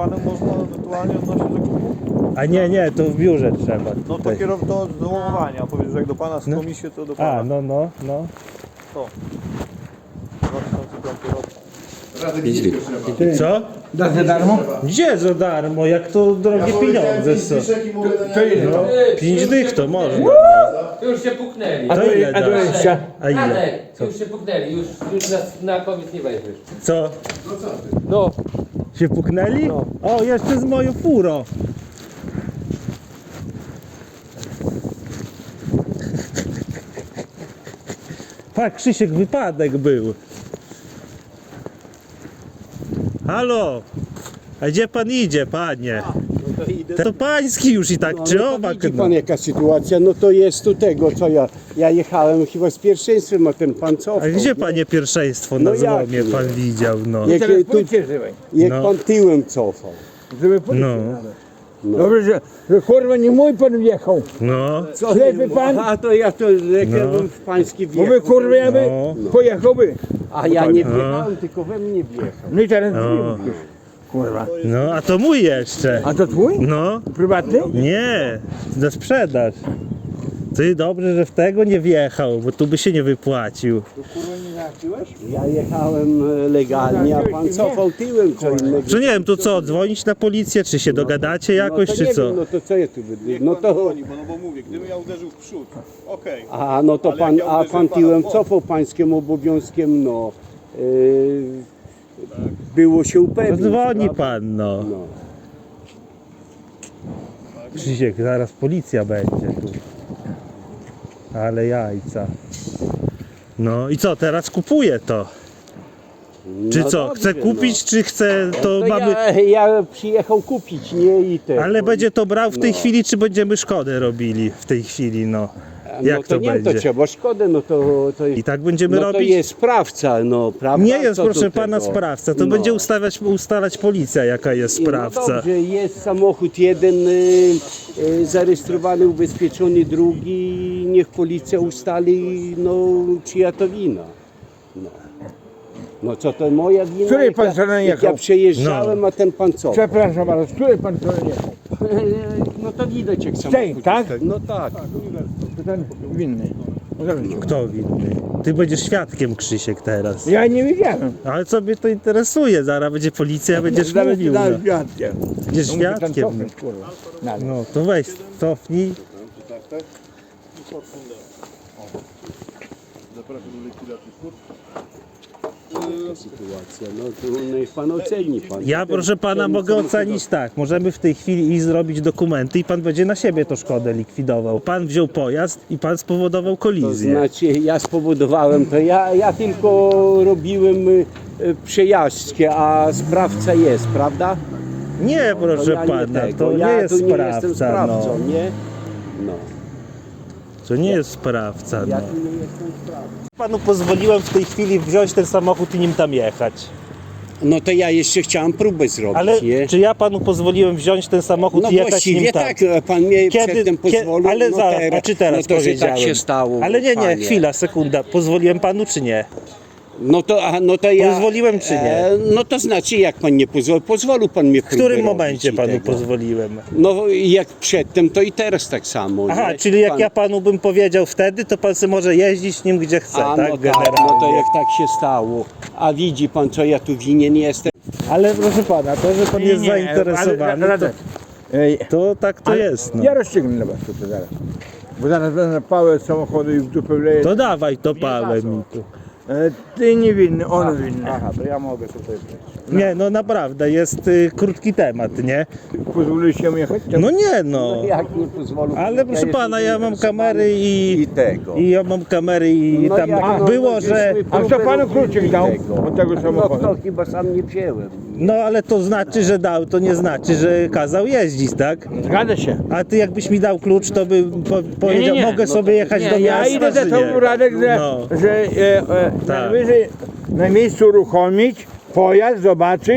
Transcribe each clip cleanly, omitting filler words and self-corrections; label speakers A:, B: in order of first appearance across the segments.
A: panem można ewentualnie odnosić zakupu?
B: A nie, to w biurze trzeba.
A: No to
B: tutaj.
A: to do łamowania. Powiedz, że jak do pana z komisji, to do pana.
B: A, no.
A: To. 2005 rok.
B: Co?
C: Da za darmo?
B: Gdzie za darmo? Jak to drogie pieniądze są?
C: To ile
B: No,
C: to?
B: 5 dych to można.
D: Już się puknęli.
B: A to ile
C: A to
B: dasz?
C: jeszcze?
B: A ile?
D: Radek, już się puknęli, już nas na komic nie weźmiesz.
B: Co?
D: No,
B: Się puknęli? O, jeszcze z moją furą. Tak, Krzysiek, wypadek był. Halo? A gdzie pan idzie, panie? To pański już i tak, czy owak?
E: Widzi pan jaka sytuacja, no to jest tu tego co ja jechałem chyba z pierwszeństwem, a ten pan cofał.
B: A gdzie panie pierwszeństwo na
E: No jak
B: złomie
E: nie?
B: pan widział, no?
E: Jak,
C: Teraz
E: tu,
C: pójdźcie żywej.
E: jak
B: No.
E: pan tyłem cofał.
C: Żeby pójść.
B: No,
C: Dobrze, że kurwa nie mój pan wjechał.
B: no,
C: Ślepy pan?
E: A to ja to lekłem w pański
C: Bo
E: wjechał.
C: by kurwa ja by
B: No.
C: pojechałby.
E: A ja nie wjechałem, tylko we mnie wjechał.
C: No i teraz
B: No.
C: już. Kurwa.
B: no, a to mój jeszcze.
C: A to twój?
B: No,
C: Prywatny?
B: nie, na sprzedaż. Ty dobrze, że w tego nie wjechał, bo tu by się nie wypłacił.
E: Ja jechałem legalnie, a pan cofał tyłem co innego.
B: Że nie wiem, to co, dzwonić na policję, czy się dogadacie jakoś,
E: no to
B: czy
E: nie
B: co?
E: wiem, no to co ja tu będę? No
A: Pan
E: to...
A: dzwoni, bo mówię, gdybym ja uderzył w przód, okej.
E: A no to
A: Ale
E: pan,
A: jak ja
E: a
A: uderzyłem
E: pan
A: pana
E: tyłem
A: w bok.
E: cofał pańskim obowiązkiem, no. Było się
B: No
E: upewnić.
B: dzwoni
E: prawda?
B: pan, no.
E: No.
B: Krzysiek, zaraz policja będzie tu. Ale jajca. No i co, teraz kupuje to? Czy
E: No
B: co,
E: dobrze,
B: chce kupić, czy chce, to
E: To
B: mamy...
E: ja przyjechał kupić, nie i te.
B: Ale będzie to brał w tej
E: No.
B: chwili, czy będziemy szkodę robili w tej chwili, no? Jak
E: no
B: to
E: nie,
B: będzie?
E: To trzeba szkodę, no to
B: I tak będziemy
E: no to
B: robić?
E: jest sprawca, no prawda?
B: Nie jest,
E: Co
B: proszę
E: do
B: pana,
E: tego?
B: sprawca. To
E: No.
B: będzie ustalać policja, jaka jest
E: No
B: sprawca.
E: dobrze, jest samochód jeden zarejestrowany, ubezpieczony, drugi, niech policja ustali, no czyja to wina. No co to moja wina?
C: Której
E: jak
C: pan
E: ja,
C: stronę
E: jak ja
C: jechał?
E: przejeżdżałem, a ten pan co?
C: Przepraszam bardzo, z której pan to jechał?
E: No to widać jak
C: tej,
E: samochód.
C: tak?
E: No tak.
C: To ten winny.
B: Kto winny? Ty będziesz świadkiem, Krzysiek, teraz.
C: Ja nie wiedziałem.
B: Ale co mnie to interesuje? Zaraz będzie policja, będziesz mówił. No.
C: świadkiem.
B: Będziesz
C: No muszę ten
B: świadkiem.
C: cofnąć, kurwa. Dalej.
B: No to weź, cofnij.
E: Sytuacja, no to niech pan oceni. Pan.
B: Ja, proszę pana, mogę ocenić tak. Możemy w tej chwili iść zrobić dokumenty i pan będzie na siebie tą szkodę likwidował. Pan wziął pojazd i pan spowodował
E: To
B: kolizję.
E: znaczy ja spowodowałem to, ja tylko robiłem przejażdżkę, a sprawca jest, prawda?
B: Nie, proszę
E: ja
B: pana,
E: tego.
B: to nie
E: ja
B: jest
E: tu nie jestem
B: sprawca.
E: sprawcą,
B: No.
E: nie? No.
B: To nie jest sprawca.
E: Ja
B: No.
E: tu nie jestem sprawcą.
B: Panu pozwoliłem w tej chwili wziąć ten samochód i nim tam jechać.
E: No to ja jeszcze chciałem próbę zrobić,
B: Ale
E: nie?
B: czy ja panu pozwoliłem wziąć ten samochód
E: No
B: i jechać nim
E: właściwie
B: tam?
E: tak, pan mnie przedtem pozwolił,
B: ale
E: no
B: zaraz,
E: teraz,
B: a czy teraz
E: no to, że
B: powiedziałem?
E: tak się stało.
B: Ale nie,
E: panie.
B: chwila, sekunda. Pozwoliłem panu czy nie?
E: No to ja...
B: Pozwoliłem czy nie?
E: No to znaczy jak pan nie pozwolił? Pozwolił pan mnie
B: W
E: próbę
B: którym
E: robić
B: momencie
E: i
B: panu
E: tego.
B: pozwoliłem?
E: No jak przedtem, to i teraz tak samo.
B: Aha,
E: nie?
B: czyli jak
E: pan...
B: ja panu bym powiedział wtedy, to pan sobie może jeździć nim gdzie chce,
E: A,
B: tak?
E: no
B: Generalnie.
E: tak, no to jak tak się stało. A widzi pan, co ja tu winien jestem?
B: Ale proszę pana, to, że pan jest zainteresowany,
C: Radek, ej,
B: to tak to jest. No.
C: ja rozstrzygnę dla was tutaj zaraz. Bo zaraz będę pałę z samochodu i w dupę wleję.
B: To dawaj to pałę mi tu.
C: Ty niewinny, on winny.
A: Aha, to ja mogę tutaj wejść.
B: Nie, no naprawdę, jest krótki temat, nie?
C: Pozwolicie mi jechać?
B: No nie no.
E: Jak nie pozwolę?
B: Ale proszę pana, ja mam kamery
E: I tego.
B: i ja mam kamery i
E: No
B: tam
E: jak, no,
B: było,
E: no,
B: że...
E: żeśmy
C: A kto
E: próbę
C: panu
E: robili
C: kluczyk dał
E: tego.
C: od tego
E: No
C: samochodu?
E: to chyba sam nie wziąłem.
B: No ale to znaczy, że dał, to nie znaczy, że kazał jeździć, tak?
C: Zgadza się.
B: A ty jakbyś mi dał klucz, to bym powiedział,
C: nie.
B: mogę sobie jechać do
C: Nie, ja
B: miasta,
C: idę za
B: czy
C: tobą,
B: nie?
C: Radek, że,
B: No.
C: że
B: Tak.
C: najwyżej na miejscu uruchomić pojazd, zobaczyć,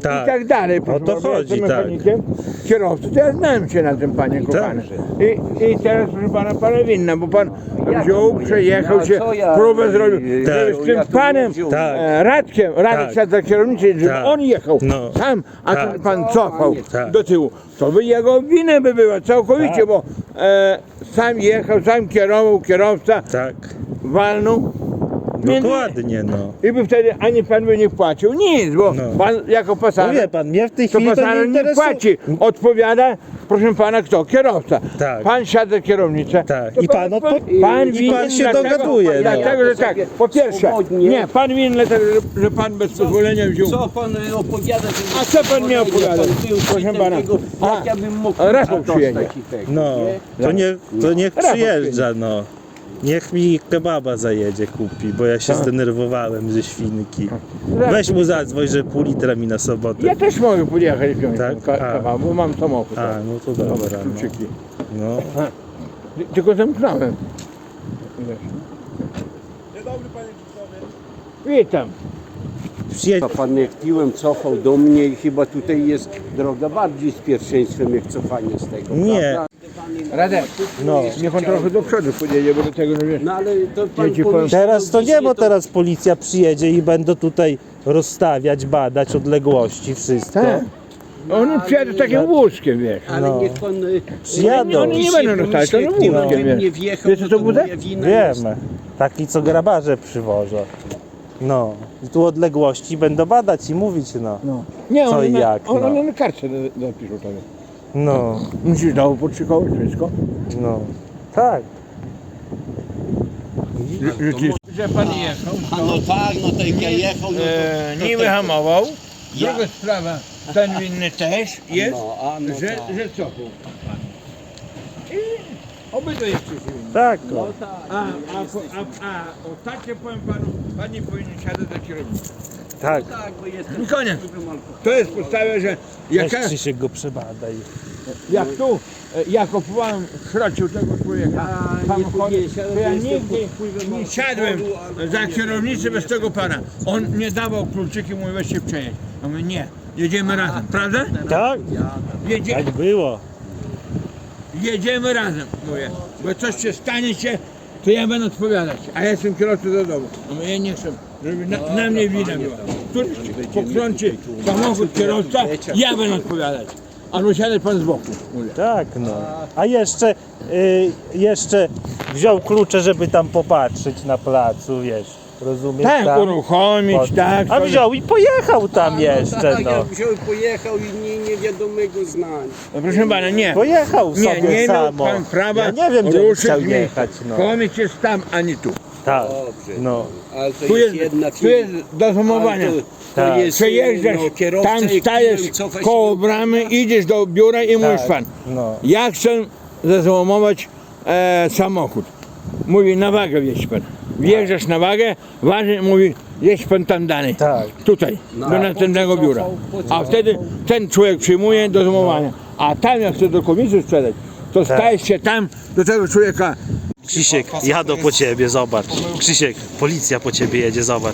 B: Tak.
C: i tak dalej. Proszę
B: to
C: pana, bo ja
B: chodzi,
C: jestem
B: tak.
C: mechanikiem, kierowcy, to ja znałem się na tym, panie kochany. I teraz, proszę pana winna, bo pan wziął, przejechał
E: A
C: się,
E: co ja,
C: próbę zrobił,
B: tak.
C: żeby z tym
E: Ja tu
C: panem,
E: wziął.
B: Tak.
C: Radkiem
B: Tak.
C: siadł za kierownicę, żeby
B: Tak.
C: on jechał
B: No.
C: sam, a
B: Tak.
C: ten pan cofał
B: Tak.
C: do tyłu. To by jego winę by była całkowicie,
B: Tak.
C: bo sam jechał, sam kierował, kierowca
B: Tak,
C: walnął. Między-
B: dokładnie, no.
C: I by wtedy ani pan by nie płacił nic, bo
B: No.
C: pan jako
B: No
C: pasażer,
B: wie pan, mnie w tej
C: to
B: chwili to nie
C: pasażer nie
B: interesuje.
C: płaci. Odpowiada, proszę pana, kto? Kierowca.
B: Tak.
C: Pan siada za kierownicę.
B: Tak.
C: to
B: I pan
C: pan
B: i
C: winien
B: pan się
C: dlatego-
B: dogaduje, no.
C: Dlatego, że tak, po pierwsze,
E: Swobodnie.
C: nie, pan winien dlatego, że pan bez pozwolenia wziął.
E: Co pan opowiada? Że
C: A co pan mi opowiada?
E: Pan był
C: Proszę
E: świtem
C: pana.
E: tego,
C: A,
E: jak ja bym mógł
C: Rafał
E: dostać
C: przyjedzie.
E: i tego,
B: No,
E: nie?
B: to niech
C: Rafał
B: przyjeżdża, no. Niech mi kebaba zajedzie kupi, bo ja się
C: Tak.
B: zdenerwowałem ze świnki. Weź mu zadzwoń, że pół litra mi na sobotę.
C: Ja też mogę podjechać wziąć
B: Tak?
C: tak?
B: A.
C: kawał, bo mam samochód.
B: A, no to dobra, no.
C: Kluczyki.
B: No.
C: Tylko zamknąłem. Witam.
B: Przyjedź.
E: A pan jak piłem, cofał do mnie i chyba tutaj jest droga bardziej z pierwszeństwem jak cofanie z tego.
B: Nie.
E: prawda?
C: Radek,
B: No.
C: niech on trochę do przodu podjedzie, bo do tego, że wiesz.
E: No ale to pan
C: Ja ci powiem-
E: pomyślał
B: Teraz to nie,
E: dzisiaj,
B: bo teraz policja przyjedzie i będą tutaj rozstawiać, badać odległości, wszystko.
C: Tak. Oni przyjadą takim wózkiem, wiesz.
E: Ale
B: No.
E: niech pan...
B: Przyjadą.
C: Oni nie będą dostać, to no
E: Gdybym
C: wózkiem,
E: nie
C: wiesz.
E: wjechał,
C: Wiesz, co
E: to
C: to bude?
E: moja wina jest.
B: Wiemy. Taki, co grabarze przywożą. No. I tu odległości będą badać i mówić, no.
C: No. Nie,
B: Co
C: oni
B: i
C: na,
B: jak,
C: on,
B: no.
C: oni na kartce zapiszą tego.
B: No,
C: Musisz znowu podszykować wszystko.
B: no. Tak.
C: Że pan jechał,
E: A no tak, no to jak ja jechał, no to...
C: nie wyhamował.
E: Ja-
C: Druga sprawa, ten winny też jest,
E: No, a no
C: że,
E: tak.
C: że cofał. I obydwoje jeszcze się winni.
B: Tak.
E: No
B: No.
E: tak.
C: A ostatnio powiem panu, pan nie powinien siadać za kierownicą.
B: Tak.
E: Tak, bo jestem...
C: I koniec. To jest podstawa, że
B: Weź
C: jak,
B: Krzysiek go przebadaj.
C: jak tu ja kupowałem w Chrociu tego człowieka
E: A, nie
C: samochody,
E: tu nie siadłem,
C: to ja
E: jestem
C: nigdy
E: pod wpływem
C: nie siadłem za kierownicę bez tego pana. On nie dawał kluczyki, mówi weź się przejedź. Ja mówię nie, jedziemy razem, prawda?
B: Tak? Tak było.
C: Jedziemy razem, mówię, bo coś się stanie się, to ja będę odpowiadać, a ja jestem kierowcą do domu. Ja mówię, ja nie chcę, żeby na mnie wina była. Któryś pokrąci samochód kierowca, ja będę odpowiadać. Albo siadać pan z boku, mówię.
B: Tak, no. A jeszcze wziął klucze, żeby tam popatrzeć na placu, wiesz. Rozumiesz?
C: Tak,
B: tam?
C: uruchomić, tak.
B: A
C: to-
B: wziął i pojechał tam jeszcze,
E: Tak,
B: no.
E: jak wziął, pojechał i niewiadomego znania.
C: No, proszę pana, nie.
B: Pojechał
C: Nie,
B: sobie
C: nie miał
B: samo.
C: pan prawa
B: Ja nie wiem, gdzie on
C: ruszyć
B: chciał
C: mi.
B: jechać, no.
C: Komić jest tam, a nie tu.
B: Tak,
E: Dobrze.
B: no.
E: Ale to
C: Tu jest,
E: jedna
C: tu jest do zamowania.
E: Ale
B: Tak.
E: to jest,
C: Przejeżdżasz,
E: no, kierowca,
C: tam
E: jak
C: stajesz
E: piłem, cofać
C: koło
E: się-
C: bramy, idziesz do biura i mówisz pan,
B: No.
C: ja chcę zazałamować samochód. Mówi, na wagę wjeźdź pan. Wjeżdżasz na wagę, waży, mówi, jedź pan tam dalej.
B: Tak.
C: Tutaj,
E: No.
C: do następnego
E: Po co
C: biura.
E: cofał?
C: A wtedy ten człowiek przyjmuje do zamowania. A tam jak chce do komisji sprzedać, to stajesz się tam do tego człowieka.
B: Krzysiek, jadą po ciebie, zobacz. Krzysiek, policja po ciebie jedzie, zobacz.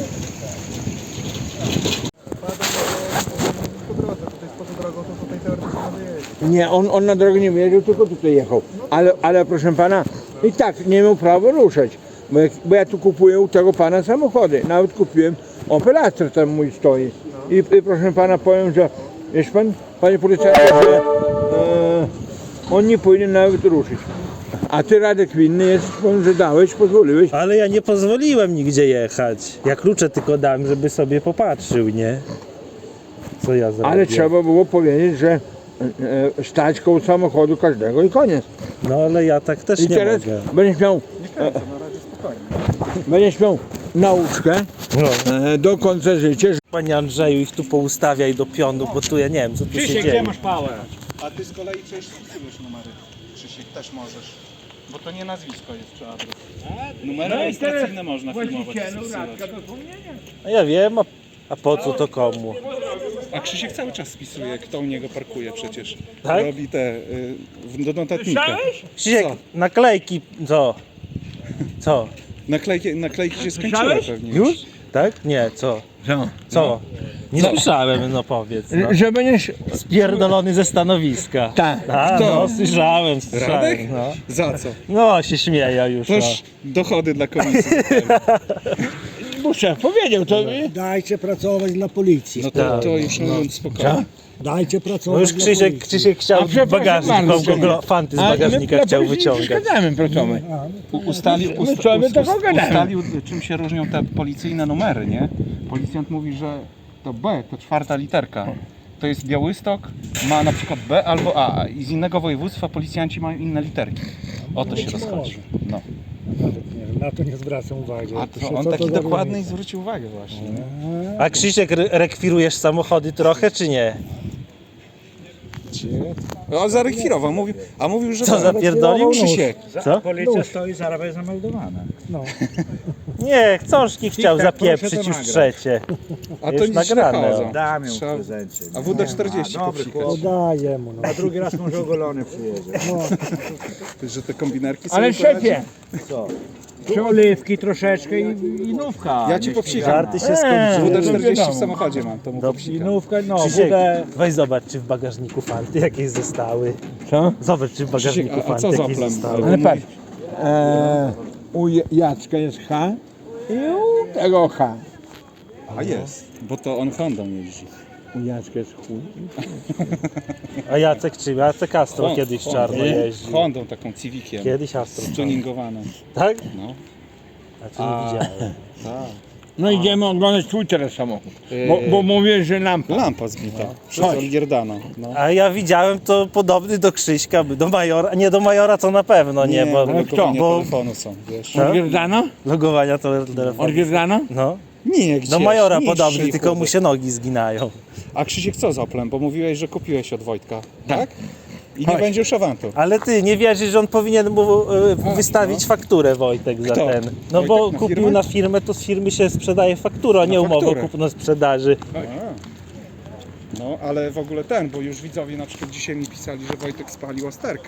C: Nie, on na drogę nie wjeżdżał, tylko tutaj jechał. Ale proszę pana, i tak nie miał prawa ruszać. Bo ja tu kupuję u tego pana samochody. Nawet kupiłem Opel Astra, tam mój stoi. I proszę pana powiem, że wiesz pan, panie policjancie, że on nie powinien nawet ruszyć. A ty, Radek, winny jest, powiem, że dałeś, pozwoliłeś.
B: Ale ja nie pozwoliłem nigdzie jechać. Ja klucze tylko dałem, żeby sobie popatrzył, nie? Co ja zrobię?
C: Ale trzeba było powiedzieć, że stać koło samochodu każdego i koniec.
B: No ale ja tak też
C: I
B: nie
C: teraz
B: mogę.
C: będziesz miał, będziesz miał nauczkę
B: No.
C: do końca życia.
B: Panie Andrzeju, ich tu poustawiaj do pionu, bo tu ja nie wiem, co tu się dzieje.
C: pałę?
F: A ty z kolei przecież spisujesz numery. Krzysiek, też możesz. Bo to nie nazwisko jest czy adres. Numery rejestracyjne można filmować.
B: No ja wiem, a po co to komu?
F: A Krzysiek cały czas spisuje, kto u niego parkuje przecież.
B: Tak?
F: Robi te do notatnika.
B: Krzysiek,
F: Co?
B: naklejki, co? Co?
F: Naklejki się skończyły pewnie.
B: Już? Tak? Nie, co?
C: Co?
B: Co? Nie słyszałem, no powiedz. No.
C: Że będziesz...
B: Spierdolony ze stanowiska.
C: Tak.
B: A, no, słyszałem.
F: Radek?
B: No.
F: Za co?
B: No, się śmieje już. No.
F: Toż dochody dla komisji.
C: Bo szef powiedział to.
G: Dajcie pracować dla policji.
F: No to już spokojnie.
G: Dajcie
B: No
G: pracować
B: już
G: dla
B: Krzysiek,
G: policji.
B: Krzysiek chciał
C: A przepraszam
B: bagażnik,
C: bardzo,
B: fanty z bagażnika chciał wyciągać.
C: Gadamy, pracomy.
F: Ustalił, czym się różnią te policyjne numery, nie? Policjant mówi, że to B, to 4. literka. To jest Białystok, ma na przykład B albo A i z innego województwa policjanci mają inne literki. O to się rozchodzi. No.
G: Na to nie zwracam uwagi.
F: A to on taki dokładny i zwrócił uwagę właśnie. Nie?
B: A Krzysiek, rekwirujesz samochody trochę, czy nie?
F: No, zarekwirował, mówił, że
B: Co, zapierdolił?
F: Krzysiek.
B: Co?
G: Policja stoi, zaraz jest zameldowana. No.
B: Nie, książki chciał
G: Tak, proszę
B: zapieprzyć
G: to
B: już
G: nagrać.
B: trzecie.
F: A
B: Jest
F: to nic
B: nagrane,
F: nagrane.
B: o.
G: Dam ją
F: Trzeba-
G: w prezencie.
F: A WD-40 popsikać.
G: Podaję mu. No.
H: A drugi raz może ogolony przyjedzie.
F: Że te kombinerki są
C: Ale szefie,
H: Oliwki troszeczkę i nówka.
F: Ja ci popsikam.
B: Żarty się skończyły.
F: WD-40 w samochodzie mam, to mu
H: I
F: popsikam.
H: nówka, no,
B: Krzysiek,
H: budę.
B: weź zobacz, czy w bagażniku fanty jakieś zostały.
C: co?
B: Zobacz, czy w bagażniku
F: Krzysiek, a
B: fanty
F: co za
B: jakieś
F: plan?
B: zostały.
C: Ale patrz, u Jacka jest H i u tego H.
F: A jest, bo to on Hondą jeździ.
C: U Jacka jest chuj.
B: A Jacek czym? Jacek Astro kiedyś czarno jeździł.
F: Hondą taką Civiciem.
B: Kiedyś Astro.
F: Tuningowaną.
B: Tak?
F: No.
B: A co nie widziałem.
C: No idziemy oglądać twój teraz samochód. Bo mówię, że lampa.
F: Lampa zbita. Przez Olgierdana. No.
B: A ja widziałem to podobny do Krzyśka, do Majora. Nie do Majora to na pewno nie, bo
F: logowania
B: bo
F: telefonu są, wiesz.
C: Orgierdano?
B: logowania to telefonu.
C: Orgierdano?
B: No.
F: Nie, gdzie?
B: Do Majora
F: Nie,
B: podobny,
F: dzisiaj
B: tylko
F: chodzę.
B: mu się nogi zginają.
F: A Krzysiek co z Oplem? Bo mówiłeś, że kupiłeś od Wojtka, tak? I nie będzie już awantu.
B: Ale ty nie wierzysz, że on powinien mu wystawić fakturę, Wojtek, za
F: Kto?
B: ten. No bo
F: Wojtek na
B: kupił
F: firmę?
B: na firmę, to z firmy się sprzedaje faktura, a nie umowę
F: fakturę.
B: kupno-sprzedaży.
F: No, ale w ogóle bo już widzowie na przykład dzisiaj mi pisali, że Wojtek spalił Osterkę.